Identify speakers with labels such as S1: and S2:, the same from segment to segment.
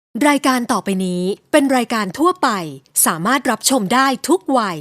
S1: รายการต่อไปนี้เป็นรายการทั่วไปสามารถรับชมได้ทุกวัย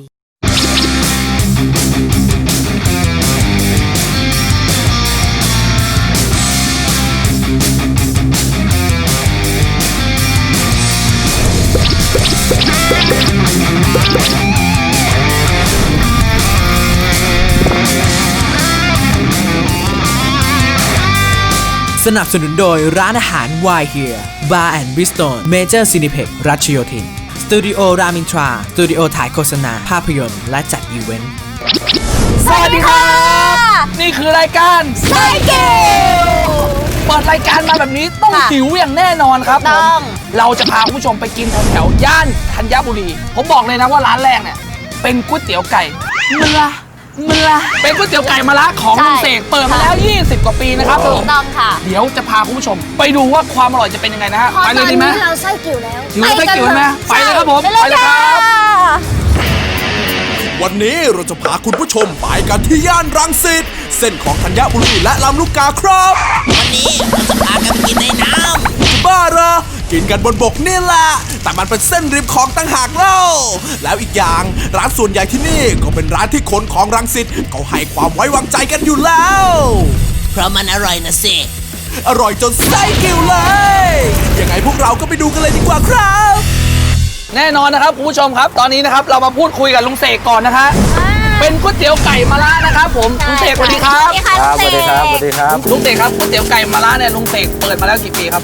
S2: สนับสนุนโดยร้านอาหาร Why Here Bar and Bistro Major Cineplex รัชโยธินสตูดิโอรามินทราสตูดิโอถ่ายโฆษณาภาพยนตร์และจัดอีเวนต์
S3: สวัสดีครับนี่คือรายการไซเกิลเปิดรายการมาแบบนี้ต้องหิวอย่างแน่นอนครับผมเราจะพาคุณผู้ชมไปกินแถวย่านธัญบุรีผมบอกเลยนะว่าร้านแรกเนี่ยเป็นก๋วยเตี๋ยวไก่เมื่อเป็นก๋วยเตี๋ยวไก่มะระของลุงเสกเปิดมาแล้ว20 กว่าปีนะครับผม
S4: ต้องค่ะ
S3: เดี๋ยวจะพาคุณผู้ชมไปดูว่าความอร่อยจะเป็นยังไงนะฮะไปเลยดีไหม
S4: เราไส้กิ่วแล้ว
S3: หิวไส้กิ่วไหมไปเลยครับผมไปเลยครับ
S5: วันนี้เราจะพาคุณผู้ชมไปกันที่ย่านรังสิตเส้นของธัญบุรีและลำลูกกาครับ
S6: วันนี้เราจะพากันกินในน้ำ
S5: บ้าเหรอกินกันบนบกนี่แหละแต่มันเป็นเส้นริมคลองต่างหากเล่าแล้วอีกอย่างร้านส่วนใหญ่ที่นี่ก็เป็นร้านที่คนของรังสิตเขาให้ความไว้วางใจกันอยู่แล้ว
S6: เพราะมันอร่อยนะสิ
S5: อร่อยจนไส้กิ่วเลยยังไงพวกเราก็ไปดูกันเลยดีกว่าครับ
S3: แน่นอนนะครับคุณผู้ชมครับตอนนี้นะครับเรามาพูดคุยกับลุงเสกก่อนนะคะเป็นก๋วยเตี๋ยวไก่มะระนะครับผมลุงเสกสวัสดีครับ
S4: สวัสดีครับ
S7: สวัสดีครับ
S3: ลุงเสกครับก๋วยเตี๋ยวไก่มะระเนี่ยลุงเสกเปิดมาแล้วกี่ปีครับ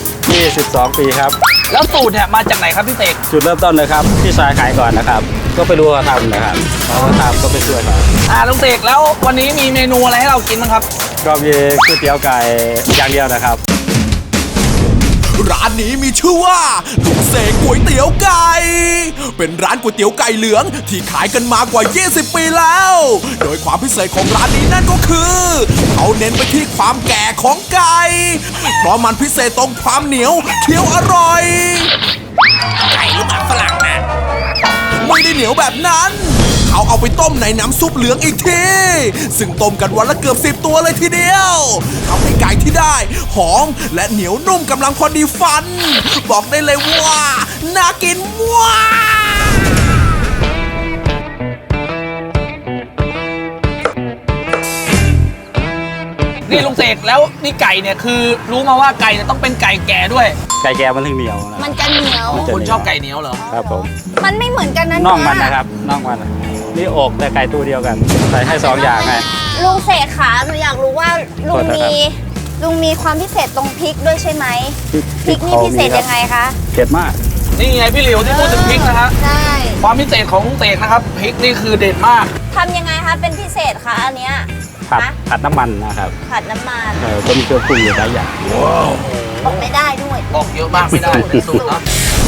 S7: 22 ปีครับ
S3: แล้วสูตรเนี่ยมาจากไหนครับพี่เสก
S7: จุดเริ่มต้นเลยครับพี่ชายขายก่อนนะครับก็ไปดูเขาทำนะครับเขาทำก็ไปช่วยเขา
S3: ลุงเสกแล้ววันนี้มีเมนูอะไรให้เรากินบ้างครับ
S7: ก็มีก๋วยเตี๋ยวไก่อย่างเดียวนะครับ
S5: ร้านนี้มีชื่อว่าลุงเสกก๋วยเตี๋ยวไก่เป็นร้านก๋วยเตี๋ยวไก่เหลืองที่ขายกันมากว่า20 ปีแล้วโดยความพิเศษของร้านนี้นั่นก็คือเขาเน้นไปที่ความแก่ของไก่เพราะมันพิเศษตรงความเหนียวเคี้ยวอร่อย
S6: ไก่หรือหมาฝรั่งนะ
S5: ไม่ได้เหนียวแบบนั้นเขาเอาไปต้มในน้ำซุปเหลืองอีกทีซึ่งต้มกันวันละเกือบ10 ตัวเลยทีเดียวทำให้ไก่ที่ได้หอมและเหนียวนุ่มกำลังพอดีฟันบอกได้เลยว่าน่ากินมาก
S3: นี่ลุงเสกแล้วนี่ไก่เนี่ยคือรู้มาว่าไก่เนี่ยต้องเป็นไก่แก่ด้วย
S7: ไก่แก่มันถึงเหนียว
S4: มันจะเหนียว
S3: คนชอบไก่เหนียวเหรอ
S7: ครับผม
S4: มันไม่เหมือนกันนะ
S7: น่องมันนะครับน่องมันนี่อกแต่ไก่ตัวเดียวกันใส่ให้2 อย่างไง
S4: ลุงเสกขาหนูอยากรู้ว่าลุงมีความพิเศษตรงพริกด้วยใช่ไหมพริกนี่พิเศษยังไงคะ
S7: เผ็ดมาก
S3: นี่ไงพี่หลิวที่พูดถึงพริกนะฮะ
S4: ใช่
S3: ความพิเศษของลุงเสกนะครับพริกนี่คือเด็ดมาก
S4: ทำยังไงคะเป็นพิเศษคะอันเนี้ย
S7: ผัดน้ำมันนะครับ
S4: ผัดน้ำมัน
S7: ก็มีเครื่องปรุงอยู่หลายอย่าง
S4: บอกไม่ได้ด้วย
S3: บอกเยอะมากไม่ได้เป็นสูตรนะ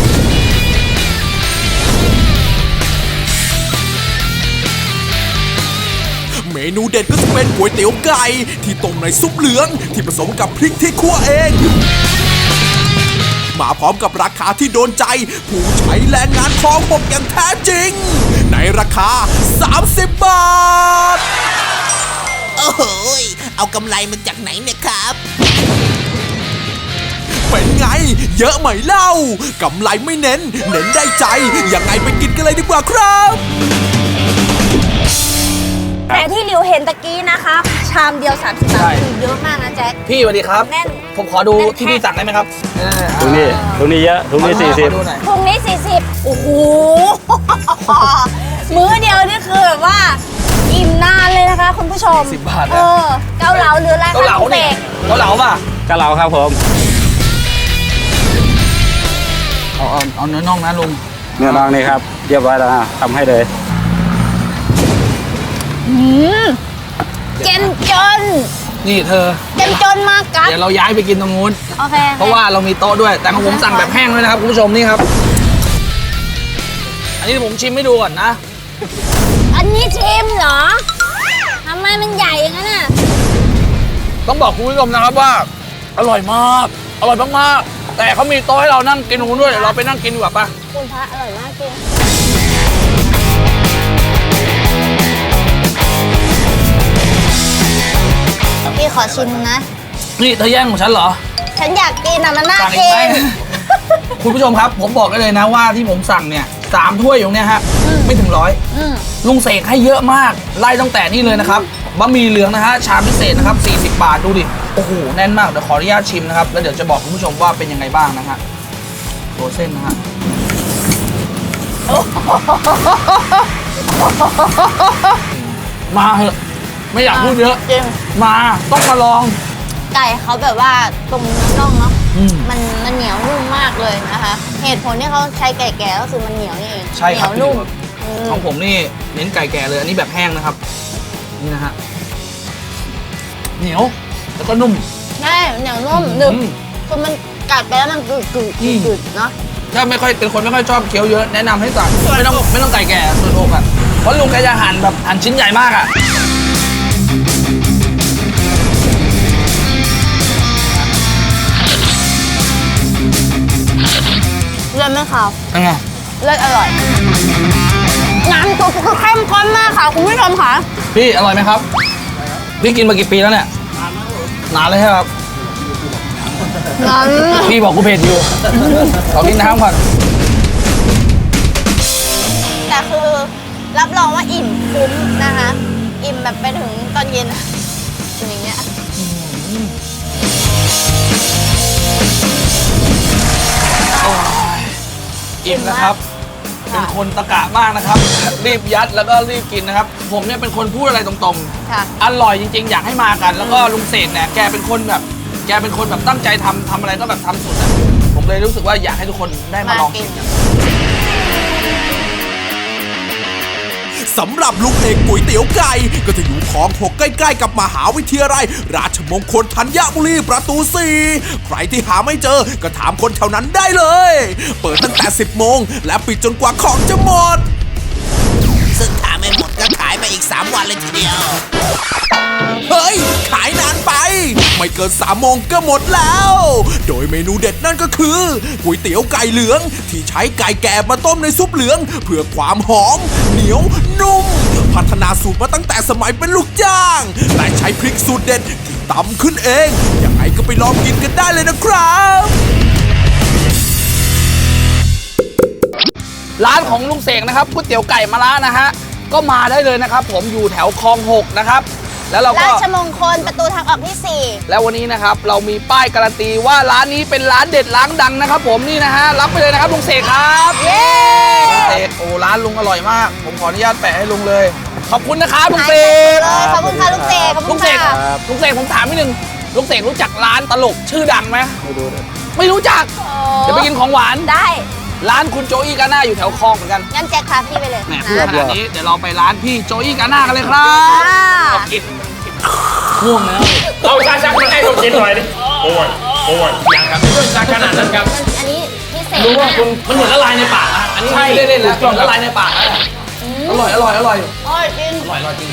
S5: เมนูเด็ดก็จะเป็นก๋วยเตี๋ยวไก่ที่ต้มในซุปเหลืองที่ผสมกับพริกที่คั่วเองมาพร้อมกับราคาที่โดนใจผู้ใช้แรงงานคลอง6อย่างแท้จริงในราคา30 บาท
S6: โอ้โหเอากำไรมาจากไหนเนี่ยครับ
S5: เป็นไงเยอะไหมเล่ากำไรไม่เน้นได้ใจยังไงไปกินกันเลยดีกว่าครับ
S4: แต่ที่หลิวเห็นตะกี้นะคะชามเดียว30 บาทคือเยอะมากนะแจ็ค
S3: พี่สวัสดีครับ
S4: แน่น
S3: ผมขอดูที่พี่สั่งได้ไหมครับ
S7: ตรงนี้เยอะตรงนี้40
S4: ตรงนี้40โอ้โหมื้อเดียวนี่คือแบบว่าอิ่มนานเลยนะคะคุณผู้ชม
S3: 10 บาท
S4: เกาเหลาหรืออะไรคะคุณเสก
S3: เกาเหลาป่ะ
S7: เกาเหลาครับผม
S3: เอาเนื้อน่องนะลุง
S7: เนื้อน่องนี่ครับเรียบร้อยแล้วนะทำให้เลย
S4: เจมจน
S3: นี่เธอ
S4: เจมจนมากครับ
S3: เดี๋ยวเราย้ายไปกินตรงนู้น
S4: โอเค
S3: เพราะว่าเรามีโต๊ะด้วยแต่ของผมสั่งแบบแห้งด้วยนะครับคุณผู้ชมนี่ครับอันนี้ผมชิมให้ดูก่อนนะ
S4: อันนี้ชิมเหรอทำไมมันใหญ่อย่างนั้นน่ะ
S3: ต้องบอกคุณผู้ชมนะครับว่าอร่อยมากแต่เขามีโต๊ะให้เรานั่งกินตรงนู้นด้วยเดี๋ยวเราไปนั่งกินดีกว่าป่ะ
S4: คุณพระอร่อยมากจริงพี่ขอชิมนะ
S3: นี่เธอแย่งของฉันเหรอ
S4: ฉันอยากกินอ่ะมันน่ากิน
S3: คุณผู้ชมครับ ผมบอกได้เลยนะว่าที่ผมสั่งเนี่ย3 ถ้วยอยู่เนี่ยฮะไม่ถึง100ลุงเสกให้เยอะมากไล่ตั้งแต่นี่เลยนะครับบะหมี่เหลืองนะฮะชามพิเศษนะครับ40 บาทดูดิโอ้โหแน่นมากเดี๋ยวขออนุญาตชิมนะครับแล้วเดี๋ยวจะบอกคุณผู้ชมว่าเป็นยังไงบ้างนะฮะตัวเส้นนะฮะมาเหอะไม่อยากพูดเยอะ
S4: จริง
S3: มาต้องมาลอง
S4: ไก่เขาแบบว่าตรงเนื้อน่องเนาะ
S3: อืม
S4: มันเหนียวนุ่มมากเลยนะคะ เหตุผลที่เขาใช้ไก่แก่ก็คือมันเหนียวนี่เอง
S3: ใช่ครับ
S4: เหนียวนุ่มอืม
S3: ของผมนี่เน้นไก่แก่เลยอันนี้แบบแห้งนะครับนี่นะฮะเหนียวแล้วก็นุ่ม
S4: ใช่เหนียวนุ่มหนึบ
S3: อืม
S4: คือมันกัดไปแล้วมันกึดเนาะ
S3: ถ้าไม่ค่อยเป็นคนไม่ค่อยชอบเคี้ยวเยอะแนะนำให้สั่งไม่ต้องไก่แก่ส่วนอกอ่ะเพราะลุงแกจะหั่นแบบหั่นชิ้นใหญ่มากอ่ะ
S4: เลือดไม่ขาว
S3: เป็นไง
S4: เลือดอร่อยน้ำซุปคือเข้มข้นมากค่ะคุณผู้ชมค่ะ
S3: พี่อร่อยไหมครับพี่กินมากี่ปีแล้วเนี่ยนานเลยใช่ไหมครับ
S4: น้ำ
S3: พี่บอกกูเผ็ดอยู่ขอกินน้ำก่อน
S4: แต่คือรับรองว่าอิ่มคุ้มนะคะ อิ่มแบบไปถึงตอนเย็นอะอย่างเงี้ย
S3: อิ่มนะครับเป็นคนตะกะมากนะครับรีบยัดแล้วก็รีบกินนะครับผมเนี่ยเป็นคนพูดอะไรตรงๆ
S4: ค่ะ
S3: อร่อยจริงๆ อยากให้มากัน แล้วก็ลุงเสกเนี่ยแกเป็นคนแบบตั้งใจทำอะไรก็แบบทำสุดอะผมเลยรู้สึกว่าอยากให้ทุกคนได้มาลองกินกัน
S5: สำหรับลุงเอกก๋วยเตี๋ยวไก่ก็จะอยู่คลอง 6 ใกล้ๆกับมหาวิทยาลัยราชมงคลธัญบุรีประตู 4 ใครที่หาไม่เจอก็ถามคนแถวนั้นได้เลย เปิดตั้งแต่ 10 โมงและปิดจนกว่าของจะหมด
S6: ซึ่งถ้าไม่หมดก็ขายไปอีก 3 วันเลยทีเดียว
S5: เฮ้ย ขายนานไป ไม่เกิน 3 โมงก็หมดแล้ว โดยเมนูเด็ดนั่นก็คือก๋วยเตี๋ยวไก่เหลืองที่ใช้ไก่แก่มาต้มในซุปเหลือง เพื่อความหอม เหนียว นุ่ม พัฒนาสูตรมาตั้งแต่สมัยเป็นลูกจ้าง แต่ใช้พริกสูตรเด็ดที่ตำขึ้นเอง ยังไงก็ไปลองกินกันได้เลยนะครับ
S3: ร้านของลุงเสกนะครับก๋วยเตี๋ยวไก่มะระนะฮะก็มาได้เลยนะครับ ผมอยู่แถวคลอง 6 นะครับ แล้วเราก็
S4: ราชมงคลประตูทางออกที่
S3: แล้ววันนี้นะครับเรามีป้ายการันตีว่าร้านนี้เป็นร้านเด็ดร้านดังนะครับ ผมนี่นะฮะรับไปเลยนะครับลุงเสกครับ
S4: 4 เย้
S3: ลุงเสกโอ้ร้านลุงอร่อยมาก ผมขออนุญาตแปะให้ลุงเลย ขอบคุณนะครับลุง
S4: หาย
S3: เส
S4: ไป
S3: ก
S4: เลยขอบคุณค่ะลุงเสกขอบ
S3: ลุ
S4: คุ
S3: ง
S4: ณ
S3: เสก
S4: ค่ะ
S3: ลุงเสกผมถามนิดนึงลุงเสกรู้จักร้านตลกชื่อดังไหมไม่รู้จักเดี๋ยวไปกินของหวาน
S4: ได้
S3: ร้านคุณโจอี้กาน่าอยู่แถวคลองเหมือนกัน
S4: งั้นแจ็คพาพี่ไปเลย
S3: แหม
S4: นะ
S3: พูดขนาดนี้เดี๋ยวเราไปร้านพี่โจอี้กาน่ากันเลยครับ
S4: อ่า
S3: กินง่วงแล้ว
S8: เอาชาชักมาให้ผมกินหน่อยดิโอ้ยยังครับไม่ต้องขนาดนั้นครับ
S4: อันนี้พิเศษ
S3: รู้ว่า
S4: นะ
S3: คุณมันเหมือนละลายในปากนะอันนี้ไม่ได้เล่นแล้วละลายในปากนะอร่อยอร่อยอร่อย
S4: โอ้ยจริง
S3: อร่อยอร่อยจริง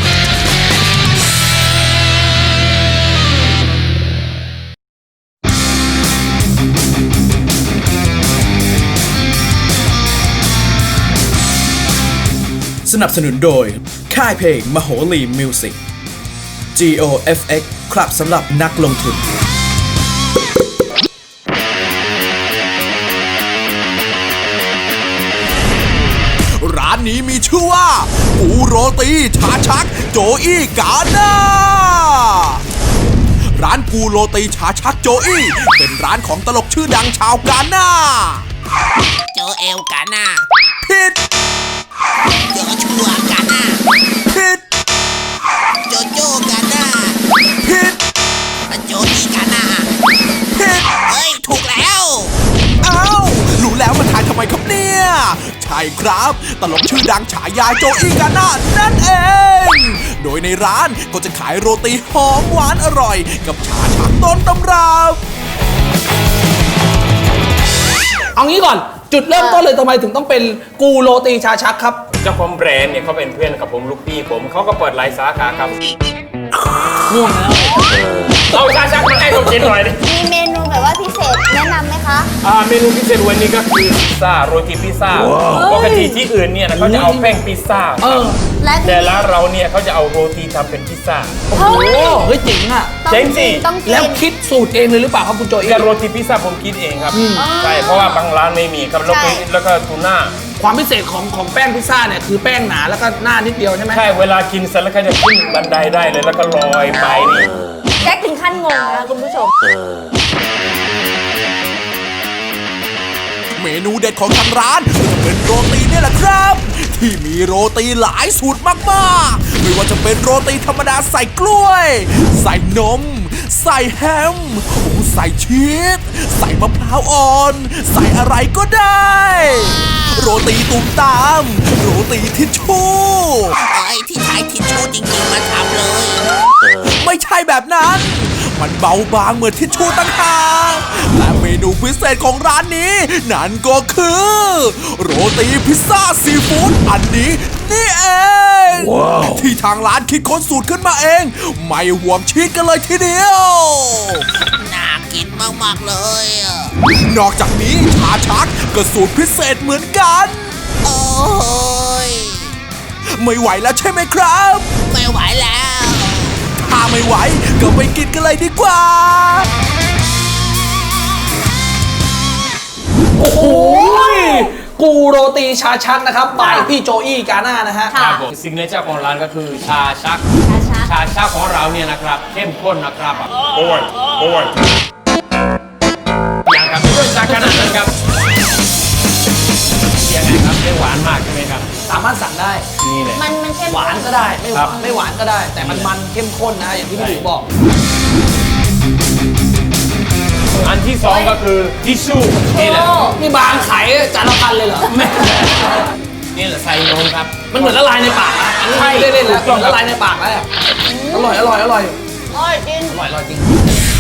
S2: สนับสนุนโดย ค่ายเพลงมโหรีมิวสิก GOFX ครับสำหรับนักลงทุน
S5: ร้านนี้มีชื่อว่าปูโรตีชาชักโจอี้กาน่าร้านปูโรตีชาชักโจอี้เป็นร้านของตลกชื่อดังชาวกาน่า
S6: โจเอลกาน่า
S5: ผิด
S6: โจชัวกาน่า
S5: ผิด
S6: โจโจกาน่า
S5: ผิด
S6: โจนี่กาน่า
S5: ผิด
S6: เฮ้ย ถูกแล้ว
S5: อ้าว รู้แล้วมาทายทำไมครับเนี่ย ใช่ครับ ตลกชื่อดังฉายาโจอี้กาน่านั่นเอง โดยในร้านก็จะขายโรตีหอมหวานอร่อย กับชาชักต้นตำรับ
S3: เอางี้ก่อนจุดเริ่มต้นเลยทำไมถึงต้องเป็นกูโรตีชาชักครับ
S8: เจ้าของแบรนด์เนี่ยเขาเป็นเพื่อนกับผมลูกพี่ผมเขาก็เปิดหลายสาขาครับ
S3: ง่วงแล้ว
S8: เอาชาชักมาให้ผมกินหน่อยดิ
S4: มีเมนูแบบรือว่าพิเศษแนะนำไหมคะ
S8: เมนูพิเศษวันนี้ก็คือพิซซ่าโรตีพิซซ่าปกติที่อื่นเนี่ยนะเขาจะเอาแป้งพิซซ่า
S4: และที่
S8: แต่ร้านเราเนี่ยเขาจะเอาโรตีทำเป็นพิซซ่า
S3: โอ้โหเฮ้ยเจ๋งอ่ะ
S4: ต้อง
S8: เจ๋งสิ
S4: กินต้องกิน
S3: แล้วคิดสูตรเองเลยหรือเปล่าครับคุณโจอี้
S8: แต่โรตีพิซซ่าผมคิดเองครับใช่เพราะว่าบางร้านไม่มีครับแล้วก็ทูน่า
S3: ความพิเศษของแป้งพิซซ่าเนี่ยคือแป้งหนาแล้วก็หน้านิดเดียวใช่ไหม
S8: ใช่เวลากินเสร็จแล้วก็จะขึ้นบันไดได้เลยแล้วก็ลอยไปนี่
S4: แจ็คถึงขั้นงงนะคุณผู้ชม
S5: เมนูเด็ดของทางร้านก็จะเป็นโรตีนี่แหละครับ ที่มีโรตีหลายสูตรมากๆไม่ว่าจะเป็นโรตีธรรมดาใส่กล้วย ใส่นม ใส่แฮมใส่ชีสใส่มะพร้าวอ่อน ใส่อะไรก็ได้ โรตีตุ่มตาม โรตีทิชชู่
S6: ที่ใช้ทิชชู่จริงๆมาทำเลย
S5: ไม่ใช่แบบนั้น มันเบาบางเหมือนทิชชู่ต่างหากและเมนูพิเศษของร้านนี้ นั่นก็คือ โรตีพิซซ่าซีฟู้ดอันนี้นี่เอง ที่ทางร้านคิดค้นสูตรขึ้นมาเอง ไม่ห่วงชีสกันเลยทีเดียว
S6: น่ากินมากๆเลยอะ
S5: นอกจากนี้ชาชักก็สูตรพิเศษเหมือนกัน
S6: โอ้ย
S5: ไม่ไหวแล้วใช่ไหมครับ
S6: ไม่ไหวแล้ว
S5: ถ้าไม่ไหวก็ไปกินกันเลยดีกว่า
S3: โอ้โหกูโรตีชาชักนะครับบายพี่โจอี้กาน่านะฮะ
S8: ครับผมซิกเนเจอร์ของร้านก็คือชาชัก ชาชักของเราเนี่ยนะครับเข้มข้นนะครับโอ้ยอย่างครับไม่ต้องชาขนาดนั้นครับยังไงครับไม่หวานมากใช่ไหมครับ
S3: สามารถสั่งได้
S8: นี่เลย
S4: มันเข้ม
S3: หวานก็ได้ไม่ห
S8: ครั
S3: วา
S8: บ
S3: นไม่หวานก็ได้ แต่มันเข้มข้นนะอย่างที่พี่หลิวบอก
S8: อันที่สองก็คือทิชชู่นี่แหละ
S3: นี่บางขายจานละพันเลยเหรอ
S8: แม่นี่แหละใส่นมครับ
S3: มันเหมือนละลายในปากนะอันนี้ไม่ได้เล่นแล้ว
S8: ถูกต้องครับ
S3: ละลายในปากแล้วอะอร่อย
S4: อร่อยจริง
S3: อร่อยจริง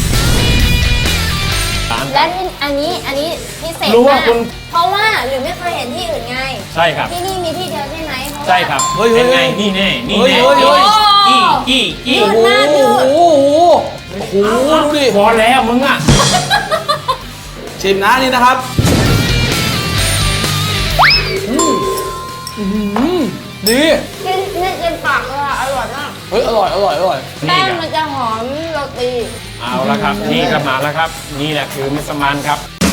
S4: และที่อันนี้พิเศษ
S8: รู้
S4: มา
S8: ว่าก คุณ
S4: เพราะว่าหรือไม่เคยเห็นที่อื่นไง
S8: ใช่ครับ
S4: ที่นี่มีที่เดียวใช่ไหมเพราะว่า
S8: ใช่ครับ
S3: เฮ้ย
S8: เป็นไงนี่แน่นี่แน่
S3: เฮ้ย
S8: กี้
S4: ยืด
S3: โอ้
S4: หน้ายืด
S3: โหโอ้โหดูดิ
S8: พอแล้วมึงอ่ะ
S3: ชิมนะนี่นะครับดี
S4: กินเนี่ยเต็มปากเลยอะอร่อยมาก
S3: เฮ้ยอร่อย
S4: แป้งมันจะหอมโรตี
S8: เอาละครับนี่ก็มาแล้วครับ นี่แหละคือมัสมั่นครับ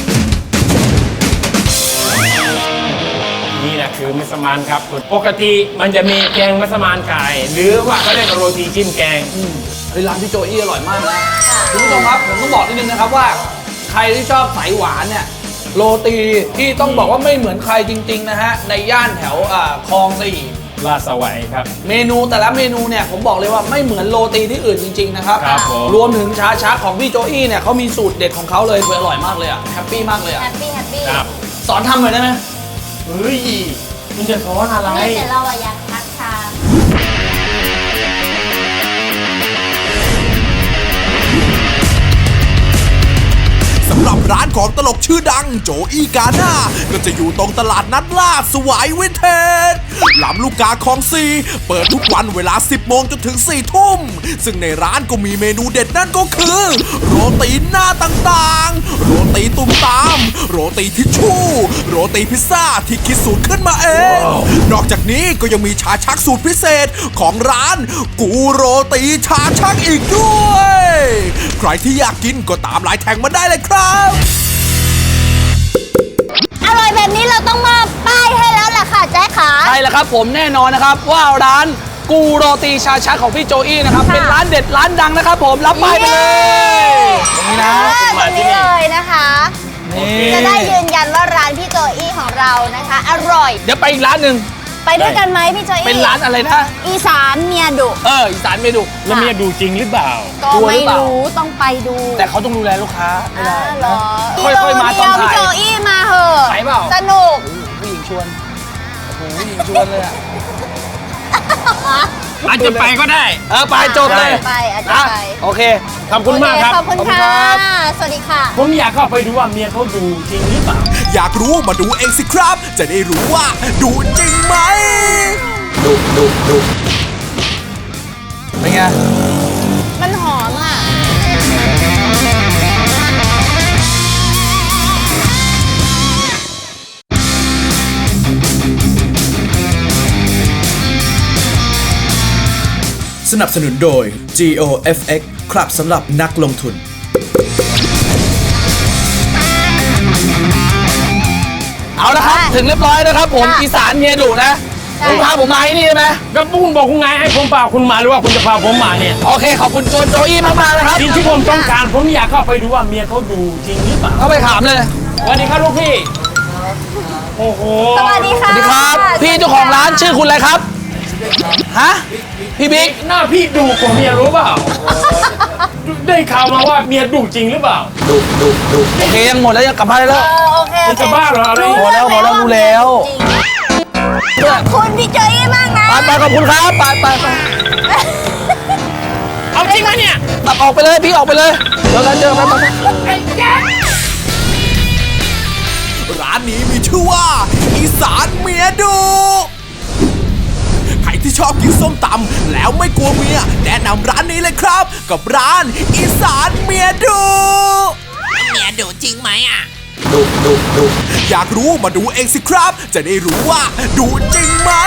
S8: นี่แหละคือมัสมั่นครับปกติมันจะมีแกงมัสมั่นไก่หรือว่าเขาเรียกว่าโรตีจิ้มแกง
S3: เฮ้ยร้านพี่โจอี้อร่อยมากนะคุณผู้ชมครับผมต้องบอกนิดนึงนะครับว่าใครที่ชอบสายหวานเนี่ยโรตีที่ต้องบอกว่าไม่เหมือนใครจริงๆนะฮะในย่านแถวคลองสี่
S8: ลาดสวายครับ
S3: เมนูแต่ละเมนูเนี่ยผมบอกเลยว่าไม่เหมือนโรตีที่อื่นจริงๆนะครับ
S8: ครับผม
S3: รวมถึงชาชักของพี่โจอี้เนี่ยเขามีสูตรเด็ดของเขาเลยอร่อยมากเลยอะแฮปปี้มากเลยอะ
S4: แฮปปี้
S8: ครับ
S3: สอนทำหน่อยได้ไหม
S8: เฮ้ยคุณจะสอนอะไร
S4: นี่แต่เราอะอยากทักทาม
S5: สำหรับร้านของตลกชื่อดังโจอี้กาน่าก็จะอยู่ตรงตลาดนัดลาดสวายวินเทจลำลูกกาคลองซีเปิดทุกวันเวลา 10 โมงจนถึง 4 ทุ่ม ซึ่งในร้านก็มีเมนูเด็ดนั่นก็คือ โรตีหน้าต่างๆ โรตีตุ่มตาม โรตีทิชชู่ โรตีพิซซ่าที่คิดสูตรขึ้นมาเอง นอกจากนี้ก็ยังมีชาชักสูตรพิเศษของร้านกูโรตีชาชักอีกด้วย ใครที่อยากกินก็ตามไลน์แท็กมาได้เลยครับ
S4: อร่อยแบบนี้เราต้องมาป้ายให้แล้วล่ะค่ะแจ๊คขา
S3: ใช่แล้วครับผมแน่นอนนะครับว่าร้านกูโรตีชาชักของพี่โจอี้นะครับ
S4: ค่ะ
S3: เป็นร้านเด็ดร้านดังนะครับผมรับป้ายไปเลยตรงนี้นะ
S4: ตรงนี้เลยนะคะ
S3: นี่
S4: จะได้ยืนยันว่าร้านพี่โจอี้ของเรานะคะ อร่อย
S3: เดี๋ยวไปอีกร้านหนึ่ง
S4: ไปด้วยกันไหมพี่โจอี้
S3: เป็นร้านอะไรนะ
S4: อีสานเมียดุ
S3: อีสานเมนู
S8: แล้วเมียดูจริงหรือเปล่า
S4: ก็
S3: กลัวหรื
S4: ไม่
S3: อเปล่า
S4: รู้ต้องไปดู
S3: แต่เขาต้องดูแลลูกค้าไม่ได้
S4: เหรอ
S3: ค่อยๆมาตอนถ่าย
S4: พี่โจอี้มาเหอะ
S3: ไปเปล่า
S4: สนุก
S3: ผู้หญิงชวนโอ้โหผู้หญิงชวนเลยอ่ะ
S8: อาจจะไปก็ได้
S3: ไปจบเลย
S4: ไปอาจจะ
S3: นะ
S4: ไป
S3: โอเค
S8: ขอบคุณมากครับ
S4: ขอบคุณ
S3: ขอบคุณ
S4: ค่ะ
S3: ครับ
S4: สวัสดีค่ะ
S8: ผมอยากเข้าไปดูว่าเมียเขาดูจริงหรือเปล่า
S5: อยากรู้มาดูเองสิครับ จะได้รู้ว่าดูจริงไหม
S3: เป็นไง
S4: มันหอมอ่ะ
S2: สนับสนุนโดย GOFX ครับสำหรับนักลงทุน
S3: เอาละครับถึงเรียบร้อยนะครับผมอีสานเมียดุนะคุณพาผมมาที่นี่ใช่ไหม
S8: ก็คุณบอกคุณไงให้ผมพาคุณมาหรือว่าคุณจะพาผมมาเนี่ย
S3: โอเคขอบคุณโจอี้มากๆนะครับ
S8: สิ่งที่ผมต้องการผมอยากเข้าไปดูว่าเมียเขาดูจริงหรือเปล่า
S3: เข้าไปถามเลย
S8: สวัสดีครับลูกพี่โอ้โห
S4: สวัสดีค่ะ
S3: สวัสดีครับพี่เจ้าของร้านชื่อคุณอะไรครับฮะพี่บิ๊ก
S8: หน้าพี่ดูกว่าเมียรู้เปล่าได้ข่าวมาว่าเมียดุจริงหรือเปล่า
S3: โอเคยังหมดแล้วยังกลับบ้านได้แล้ว
S4: โอเค
S8: จะบ้าเหรออะไร
S3: หมดแล้วรู้แล้ว
S4: ขอบคุณพี่เจอี้มากนะ
S3: ไปขอบคุณครับไป
S8: เอาจริงไหมเนี่ย
S3: ตัดออกไปเลยพี่ออกไปเลยเจอกันไป
S5: ร้านนี้มีชื่อว่า อีสานเมียดุใครที่ชอบกินส้มตำแล้วไม่กลัวเมียแนะนำร้านนี้เลยครับ กับร้านอีสานเมียดุ
S6: เมียดุจริงไหมอ่ะ
S5: อยากรู้มาดูเองสิครับ จะได้รู้ว่าดุจริงไหม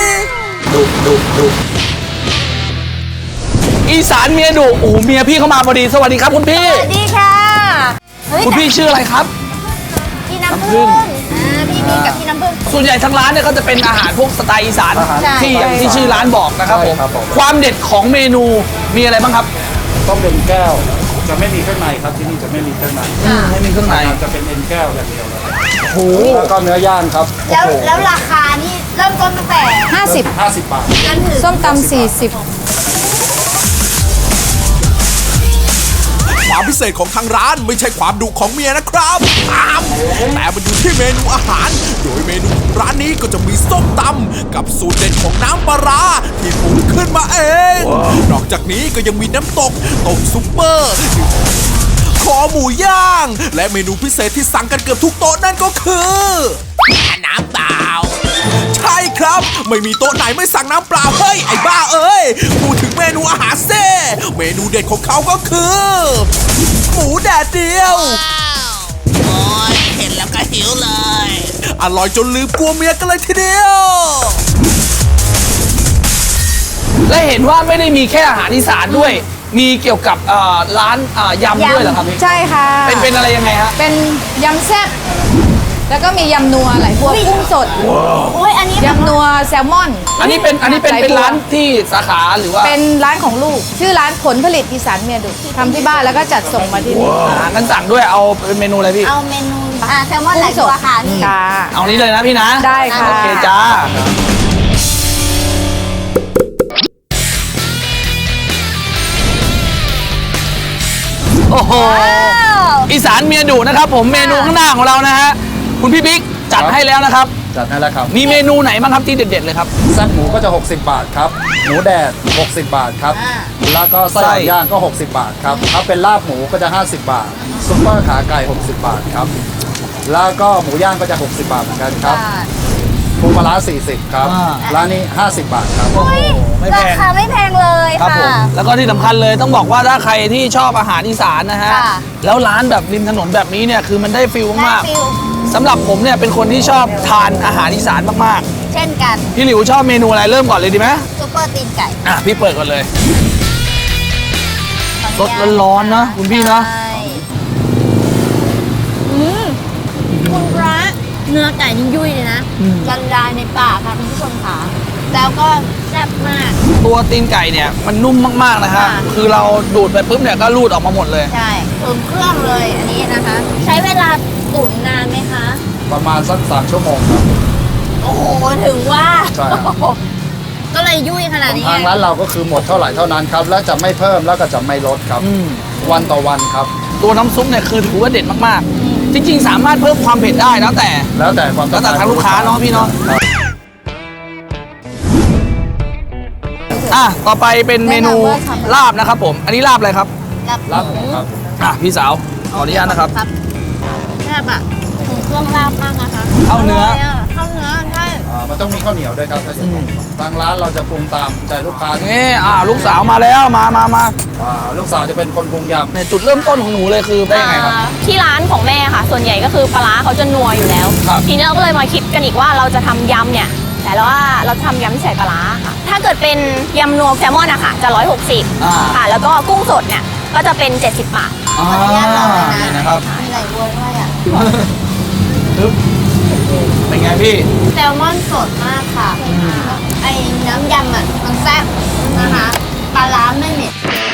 S3: อีสานเมียดุโอ้โหเมียพี่เข้ามาพอดีสวัสดีครับคุณพี่
S4: สวัสดีค่ะเฮ้ย
S3: คุณพี่ชื่ออะไรครับ
S4: พี่น้ำผึ้งพี่มีกับพี่น้ำผึ้ง
S3: ส่วนใหญ่ทั้งร้านเนี่ยก็จะเป็นอาหารพวกสไตล์อีสาน
S4: ใช่
S3: ที่อย่างที่ชื่อร้านบอกนะครับผมความเด็ดของเมนูมีอะไรบ้างครับ
S7: ต้มเป็นแก้ว จะไม่มีเครื่องในครับที่นี่จะไม่มีเครื่องใน
S3: ไม่มีเครื่องใน
S7: จะเป็นเอ็นแก้วอย่างเดียวเลย
S3: โอ้โห
S7: แล้วก็เนื้อย่างครับ
S4: แล้วราคานี่เริ่มต้นตั้งแต่
S7: 50 บาท
S4: จนถึง
S9: ส้มตำ40
S5: ความพิเศษของทางร้านไม่ใช่ความดุของเมียนะครับแต่มันอยู่ที่เมนูอาหาร โดยเมนูของร้านนี้ก็จะมีส้มตำกับสูตรเด็ดของน้ำปลาร้าที่ปรุงขึ้นมาเอง นอกจากนี้ก็ยังมีน้ำตกต้มซุปเปอร์คอหมูย่าง และเมนูพิเศษที่สั่งกันเกือบทุกโต๊ะนั่นก็คือน้ำเปล่า ใช่ครับ ไม่มีโต๊ะไหนไม่สั่งน้ำเปล่าเฮ้ยไอ้บ้าเอ้ยพูดถึงเมนูอาหารเซ่เมนูเด็ดของเขาก็คือหมูแดดเดียว
S6: โอ้ยเห็นแล้วก็หิวเลย
S5: อร่อยจนลืมกลัวเมียกันเลยทีเดียว
S3: และเห็นว่าไม่ได้มีแค่อาหารอีสานด้วย มีเกี่ยวกับร้านยำด้วยเหรอครับ
S9: ใช่ค่ะ
S3: เป็นอะไรยังไงฮะ
S9: เป็นยำแซ่บแล้วก็มียำนัวไหลบัวกุ้งสด
S4: โอ้ยอันนี้
S9: ยำนัวแซลมอน
S3: อันนี้เป็นร้านที่สาขาหรือว่า
S9: เป็นร้านของลูก ชื่อร้านผลผลิตอีสานเมียดุทำที่บ้านแล้วก็จัดส่งมาที่นี่
S3: งั้นสั่งด้วยเอาเป็นเมนูอะไรพี่
S4: เอาเมนูแซลมอนไหลบัวค่ะนี่
S9: ค่ะ
S3: เอานี้เลยนะพี่นะ
S9: ได้ค่ะ
S3: โอเคจ้า โอ้โห อีสานเมียดุนะครับผมเมนูข้างหน้าของเรานะฮะ คุณพี่บิ๊กจัดให้แล้วนะครับ
S7: จัดให้แล้วครับ
S3: มีเมนูไหนบ้างครับที่เด็ดๆเลยครับ
S7: แซ่บหมูก็จะ 60 บาทครับ หมูแดด 60 บาทครับ แล้วก็ไส้
S3: ไส้
S7: ย่างก็ 60 บาทครับ ถ้าเป็นลาบหมูก็จะ 50 บาท ซุปเปอร์ขาไก่ 60 บาทครับ แล้วก็หมูย่างก็จะ 60 บาทเหมือนกันครับปูปลาร้า40 ครับ ร้านนี้ 50 บาทครับ
S3: ไม่แพ
S4: ราง คาไม่แพงเลย
S3: ครับผ
S4: ค่ะ
S3: มแล้วก็ที่สำคัญเลยต้องบอกว่าถ้าใครที่ชอบอาหารอีสานนะฮะ
S4: ค่ะ
S3: แล้วร้านแบบริมถนนแบบนี้เนี่ยคือมันได้ฟิลมาก
S4: ได้ฟิล
S3: ๆสำหรับผมเนี่ยเป็นคนที่ชอบทานอาหารอีสานมาก
S4: เช่นกัน
S3: ๆพี่หลิวชอบเมนูอะไรเริ่มก่อนเลยดีไหม
S4: ซุปเปอร์ตีนไก่
S3: อ่ะพี่เปิดก่อนเลยสดร้อนๆนะคุณพี่นะ
S4: ใช่คุณพระเนื้อไก่นี่ยุ่ยเลยนะละลายในปากค่ะคุณผู้ชมค่ะแล้วก็แซ่บมาก
S3: ตัวตีนไก่เนี่ยมันนุ่มมากๆนะฮะ
S4: ค่ะ
S3: คือเราดูดไปปุ๊บเนี่ยก็รูดออกมาหมดเลย
S4: ใช่ตุ๋นเครื่องเลยอันนี้นะคะ ใช้เวลาตุ๋นนานไหมคะ
S7: ประมาณสัก3 ชั่วโมงครับ
S4: โอ้โหถึงว่า
S7: ใช่ครับ
S4: ก็เลยยุ่ยขนาดนี้
S7: ทางร้านเราก็คือหมดเท่าไหร่เท่านั้นครับ และจะไม่เพิ่มแล้วก็จะไม่ลดครับ วันต่อวันครับ
S3: ตัวน้ำซุปเนี่ยคือถือว่าเด็ดมากๆ จริงๆ สามารถเพิ่มความเผ็ดได้แล้วแต่
S7: แล้วแต่ความต้อง
S3: แล้ว
S7: การ
S3: แต่ทางลูกค้าเนาะพี่เนาะ
S7: ครับ
S3: อ่ะต่อไปเป็นเมนูลาบนะครับผม อันนี้ลาบอะไรครับ
S7: ลาบหมูครับ
S3: อ่ะพี่สาวขออนุญาตนะครับ
S4: ครับแซ่บอะถึงเครื่องลาบมากนะคะ
S3: เข้าเนื้อ
S4: ร่ยะเข้าเนื้อใช่
S7: มันต้องมีข้าวเหนียวด้วยครับถ้าจะทางร้านเราจะปรุงตามใจลูกค้า
S3: นี่ลูกสาวมาแล้วมา
S7: ลูกสาวจะเป็นคนปรุงยำ
S3: เนี่ยจุดเริ่มต้นของหนูเลยคือได้ยังไงครับ
S10: ที่ร้านของแม่ค่ะ ส่วนใหญ่ก็คือปลาร้าเขาจะนัวอยู่แล้ว
S3: ครับ
S10: ทีนี้เราก็เลยมาคิดกันอีกว่าเราจะทำยำเนี่ย
S4: ช่แล้วว่าเราทำยำที่ใส่ปลาร้าค่ะ ถ้าเกิดเป็นยำนัวแซลมอนอะค่ะจะ160ค่ะแล้วก็กุ้งสดเนี่ยก็จะเป็น70 บาท
S3: นี่นะครับ
S4: มีไหลบัวด้วยอะ
S3: เป็นไงพี่
S4: แซลมอนสดมากค่ะไอ้น้ำยำอะมันแซ่บนะคะปลาร้าไม่เหม็น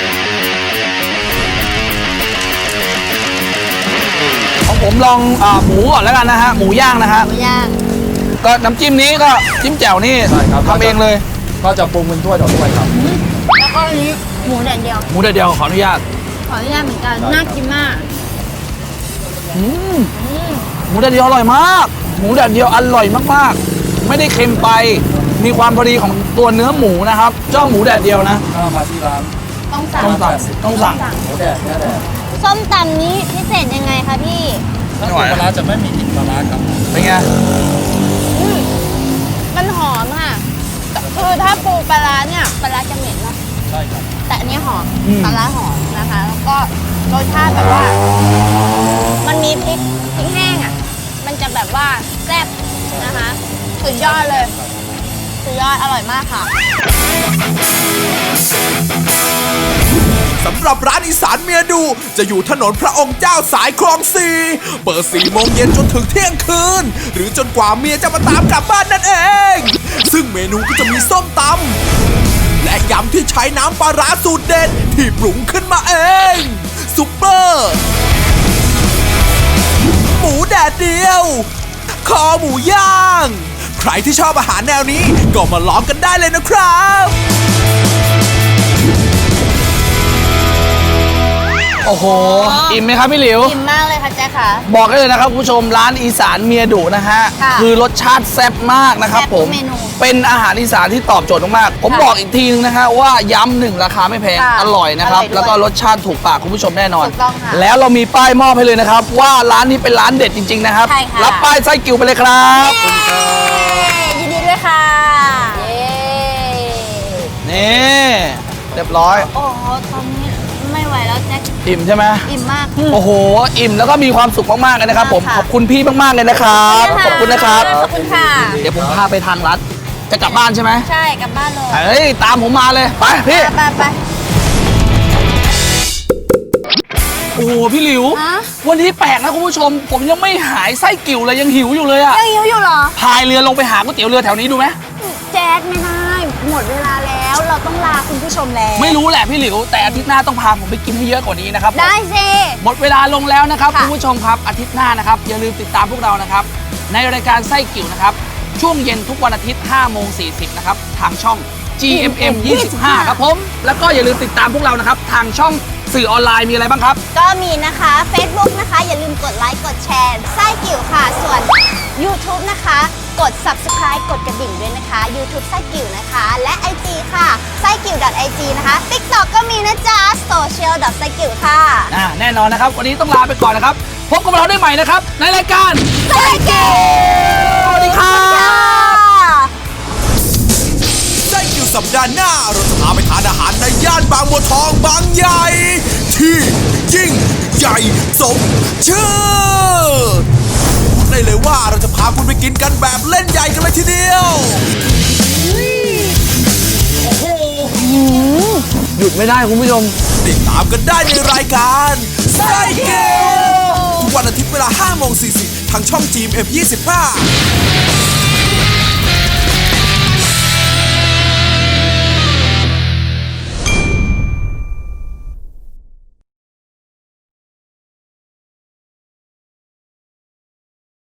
S3: ของผมลองหมูก่อนแล้วกันนะฮะหมูย่างนะฮะ
S4: หมูย่าง
S3: ก็น้ำจิ้มนี้ก็จิ้มแจ่วนี่
S7: ใช่ครับ
S3: ทำเองเลย
S7: ก็จะปรุงเป็นถ้วยต่อถ้วยครับ
S4: แล้วก็อันนี้หมูแดดเดียว
S3: หมูเดียวขออนุญาต
S4: ขออนุญาตเหมือนกันน่ากินมาก
S3: หมูแดดเดียวอร่อยมาก หมูแดดเดียวอร่อยมากๆ ไม่ได้เค็มไป มีความพอดีของตัวเนื้อหมูนะครับเจ้าหมูแดดเดียวนะ
S7: ถ้ามาที่ร้าน
S4: ต้องสั่ง
S3: ต้องสั่ง
S7: หมูแดดเนื้อแดด
S4: ส้มตำนี้พิเศษยังไงคะพี่
S7: ถ้าปูปลาร้าจะไม่มีกลิ่นปลาร้าครับ
S3: เป็นไง
S4: มันหอมค่ะ คือถ้าปูปลาร้าเนี่ยปลาร้าจะเหม็นเนาะ
S7: ใช่ครับ
S4: แต่อันนี้หอมปลาร้าหอมนะคะ แล้วก็รสชาติแบบว่า มันมีพริกแห้งอ่ะ มันจะแบบว่าแซ่บนะคะ สุดยอดเลย สุดยอดอร่อยมากค่ะ
S5: สำหรับร้านอีสานเมียดูจะอยู่ถนนพระองค์เจ้าสายคลอง4เปิด4 โมงเย็นจนถึงเที่ยงคืน หรือจนกว่าเมียจะมาตามกลับบ้านนั่นเอง ซึ่งเมนูก็จะมีส้มตำและยำที่ใช้น้ำปลาร้าสูตรเด็ดที่ปรุงขึ้นมาเองซุปเปอร์หมูแดดเดียว คอหมูย่าง ใครที่ชอบอาหารแนวนี้ก็มาลองกันได้เลยนะครับ
S3: โอ้โห อิ่มไหมครับพี่หลิว
S4: อิ่มมากเลยค่ะแจ๊คค่ะ
S3: บอกได้เลยนะครับคุณผู้ชมร้านอีสานเมียดุนะฮะ
S4: ค่ะ
S3: คือรสชาติแซ่บมากนะครับ
S4: แซ่บ
S3: ผ
S4: ทุ
S3: ม
S4: กเมนู
S3: เป็นอาหารอีสานที่ตอบโจทย์มากๆผม
S4: ค่ะ
S3: บอกอีกทีนึงนะฮะว่าย้ำหนึ่งราคาไม่แพง
S4: ค่ะ
S3: อร่อยนะครับ
S4: อร่อยด้วย
S3: แล้วก็รสชาติถูกปากคุณผู้ชมแน่นอน
S4: ถูกต้องค่ะ
S3: แล้วเรามีป้ายมอบให้เลยนะครับ ว่าร้านนี้เป็นร้านเด็ดจริงๆนะครับ
S4: ใช่ค่ะ
S3: รับป้ายไส้กิ่วไปเลยครับ
S4: ยินดีด้วยค่ะ
S3: นี่เรียบร้อย
S4: โอ้โหตอนนี้ไม่ไหวแล้วแจ๊ค
S3: อิ่มใช่ไหม
S4: อิ่มมาก
S3: โอ้โห อิ่มแล้วก็มีความสุขมากๆเลยนะครับผม
S4: ค่ะ
S3: ขอบคุณพี่มากๆเลยนะครับ ขอบคุณนะครับ
S4: ขอบคุณค่ะ
S3: เดี๋ยวผมพาไปทางรัดจะกลับบ้านใช่ไหม
S4: ใช่กลับบ้านเลย
S3: เฮ้ย ตามผมมาเลย ไปพี่
S4: ไป
S3: โอ้โห พี่หลิว
S4: ฮะ
S3: วันนี้แปลกนะคุณผู้ชม ผมยังไม่หายไส้กิ่วเลยยังหิวอยู่เลยอะ
S4: ยังหิวอยู่เหรอ
S3: พายเรือลงไปหาก๋วยเตี๋ยวเรือแถวนี้ดูไหม
S4: แจ๊คไม่ได้ หมดเวลาแล้ว เราต้องลาคุณผู้ชมแล้ว
S3: ไม่รู้แหละพี่หลิว แต่อาทิตย์หน้าต้องพาผมไปกินให้เยอะกว่านี้นะครับผม
S4: ได้สิ
S3: หมดเวลาลงแล้วนะครับ
S4: ค่ะ
S3: คุณผู้ชมครับอาทิตย์หน้านะครับอย่าลืมติดตามพวกเรานะครับในรายการไส้กิ่วนะครับช่วงเย็นทุกวันอาทิตย์ 5:40 นะครับทางช่อง GMM 25 ครับผมแล้วก็อย่าลืมติดตามพวกเรานะครับทางช่องสื่อออนไลน์มีอะไรบ้างครับ
S4: ก็มีนะคะ Facebook นะคะ อย่าลืมกดไลค์ กดแชร์ไส้กิ่วค่ะ ส่วน YouTube นะคะ กด Subscribe กดกระดิ่งด้วยนะคะ YouTube ไส้กิ่วนะคะ และ IG ค่ะไส้กิ่ว .ig นะคะ TikTok ก็มีนะจ๊ะ social ไส้กิ่วค่ะ
S3: แน่นอนนะครับ วันนี้ต้องลาไปก่อนนะครับพบกับเราได้ใหม่นะครับในรายการ
S4: ไส้กิ่ว
S3: สวัสดีครับ
S5: ไส้กิ่วสัปดาห์หน้าเราจะพาไปทานอาหารในย่านบางบัวทองบางใหญ่ ที่ยิ่งใหญ่สมชื่อบอกได้เลยว่าเราจะพาคุณไปกินกันแบบเล่นใหญ่กันเลยทีเดียว
S3: หยุดไม่ได้คุณผู้ชม
S5: ติดตามกันได้ในรายการไส้กิ่วทุกวันอาทิตย์เวลา 5:40 ทางช่อง GMM 25